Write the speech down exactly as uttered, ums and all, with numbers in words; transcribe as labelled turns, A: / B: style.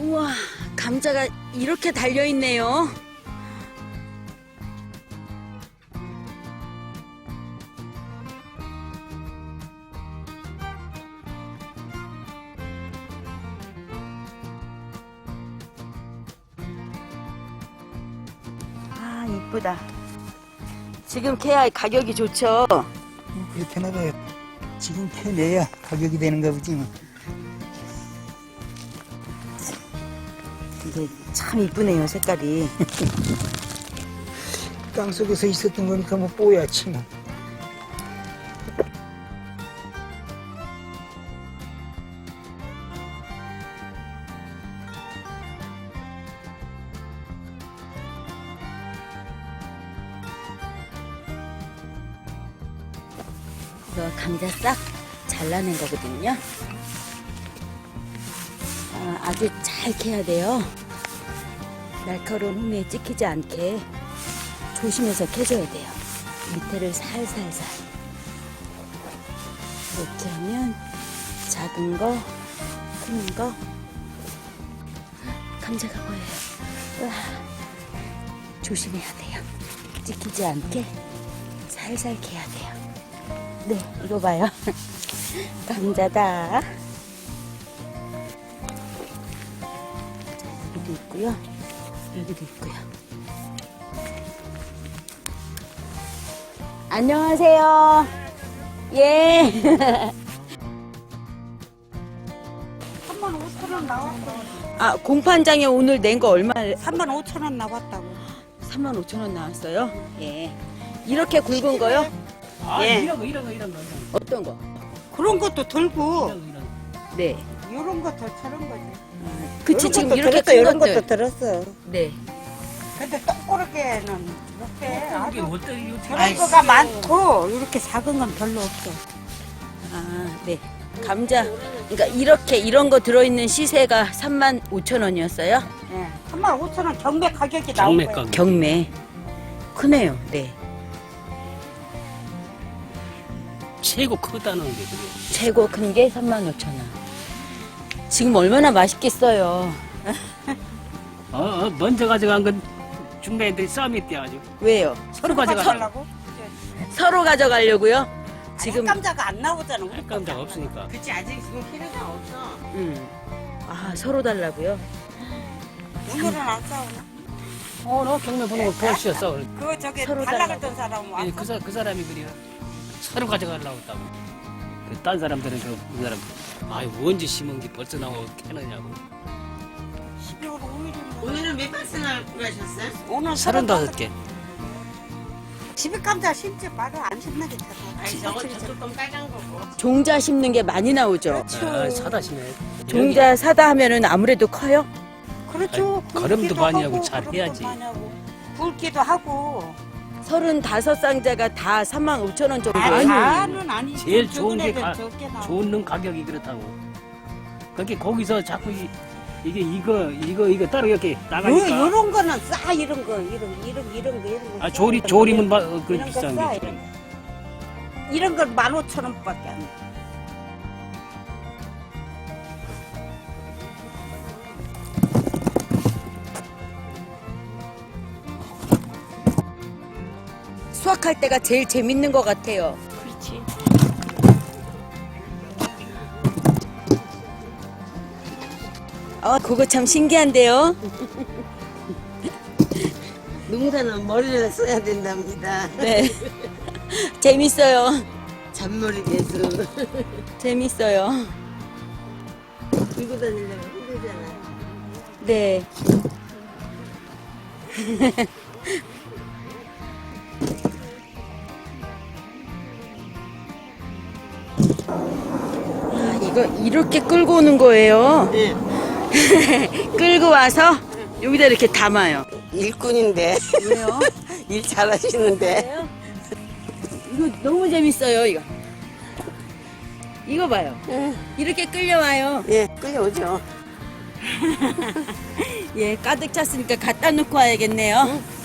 A: 우와, 감자가 이렇게 달려있네요. 아, 이쁘다. 지금 캐야 가격이 좋죠?
B: 뭐 그렇게 나가요. 지금 캐내야 가격이 되는가 보지 뭐.
A: 이게 참 이쁘네요, 색깔이.
B: 땅 속에서 있었던 거니까 뭐 뽀얗지 뭐.
A: 이거 감자 싹 잘라낸 거거든요. 아, 아주 잘 캐야 돼요. 날카로운 홈에 찍히지 않게 조심해서 캐줘야 돼요. 밑에를 살살살. 이렇게 하면 작은 거, 큰 거, 감자가 보여요. 우와, 조심해야 돼요. 찍히지 않게 살살 캐야 돼요. 네, 이거 봐요. 감자다. 여기도 있고요. 여기도 있고요. 안녕하세요. 예.
C: 삼만 오천 원 나왔어.
A: 아, 공판장에 오늘 낸 거 얼마?
C: 삼만 오천 원 나왔다고.
A: 삼만 오천 원 나왔어요? 예. 이렇게 굵은 거요?
D: 아,
C: 예.
D: 이런 거, 이런 거, 이런 거.
A: 어떤 거?
C: 그런 것도 들고
D: 이런 거, 이런 거.
A: 네.
C: 이런 것도 저런 거지.
A: 그치,
C: 이런
A: 지금
C: 것도
A: 이렇게
C: 들었어,
A: 큰
C: 이런
A: 것들.
C: 것도 들었어.
A: 네.
C: 근데 똑그렇게는 못해.
D: 이게
C: 아주
D: 어떤 이거
C: 저런 거가 많고 이렇게 작은 건 별로 없어.
A: 아, 네. 감자. 그러니까 이렇게 이런 거 들어있는 시세가 삼만 오천 원이었어요?
C: 예. 삼만 오천 원 경매 가격이 나온
D: 경매
C: 거야.
D: 가격.
A: 경매. 크네요. 네.
D: 최고 크다는 게 그래.
A: 최고 큰 게 삼만 오천 원. 지금 얼마나 맛있겠어요.
D: 어, 어, 먼저 가져간 건 중매인들이 싸움이 뛰어가지고
A: 왜요?
D: 서로 가져가.
C: 가져가려고?
A: 서로 가져가려고요? 지금.
C: 지금 감자가 안 나오잖아. 우리
D: 깜짝 없으니까.
C: 그치 아직 지금 필요가 없어.
A: 음. 아, 서로 달라고요?
C: 오늘은 안 싸우나?
D: 어, 너 경매 보는 거 보시었어.
C: 그 저기
A: 서로
C: 달라
A: 달라고.
C: 그랬던 사람 왔어?
D: 그, 사, 그 사람이 그래요. 서로 가져가려고 했다고. 그, 딴 사람들은 그, 그 사람, 아유, 언제 심은 게 벌써 나오고 캐느냐고.
C: 십이월 오일이면
E: 오늘은 몇 박스나 구하셨어요?
C: 오늘
D: 서른다섯 개.
C: 집에 감자 심지 말을 안 심나게 타서.
E: 아니 저거 조금 빨간 거고.
A: 종자 심는 게 많이 나오죠?
D: 아, 사다 심해.
A: 종자 사다 하면은 아무래도 커요?
C: 그렇죠.
D: 아니, 걸음도
C: 굵기도
D: 많이 하고
C: 하고
D: 잘
C: 걸음도
D: 해야지.
C: 많이 하고, 굵기도 하고.
A: 서른다섯 상자가 다 삼만 오천 원 정도예요?
C: 아니, 다는 아니지.
D: 제일 좋은 게
C: 적은
D: 가,
C: 애들 적게 나오고.
D: 좋은 놈 가격이 그렇다고. 그렇게 거기서 자꾸 이, 이게 이거 이거 이거 따로 이렇게
C: 요,
D: 나가니까.
C: 요런 거는 싸 이런 거 이런 이런 이런 거 이런 거.
D: 아
C: 싸,
D: 조리
C: 이런
D: 조림은
C: 거.
D: 마, 어, 그
C: 이런 거
D: 비싼
C: 싸,
D: 게.
C: 이런 거. 이런 건 만 오천 원밖에 안 돼.
A: 수확할 때가 제일 재밌는 것 같아요.
C: 그렇지.
A: 어, 그거 참 신기한데요?
E: 농사는 머리를 써야 된답니다.
A: 네. 재밌어요.
E: 잔머리개수
A: 재밌어요.
E: 들고 다니려면 힘들잖아요.
A: 네. 아, 이거 이렇게 끌고 오는 거예요.
E: 네.
A: 끌고 와서 여기다 이렇게 담아요.
E: 일꾼인데
A: 왜요?
E: 일 잘하시는데.
A: 이거 너무 재밌어요, 이거. 이거 봐요.
E: 예,
A: 이렇게 끌려와요.
E: 예, 끌려오죠.
A: 예, 가득 찼으니까 갖다 놓고 와야겠네요.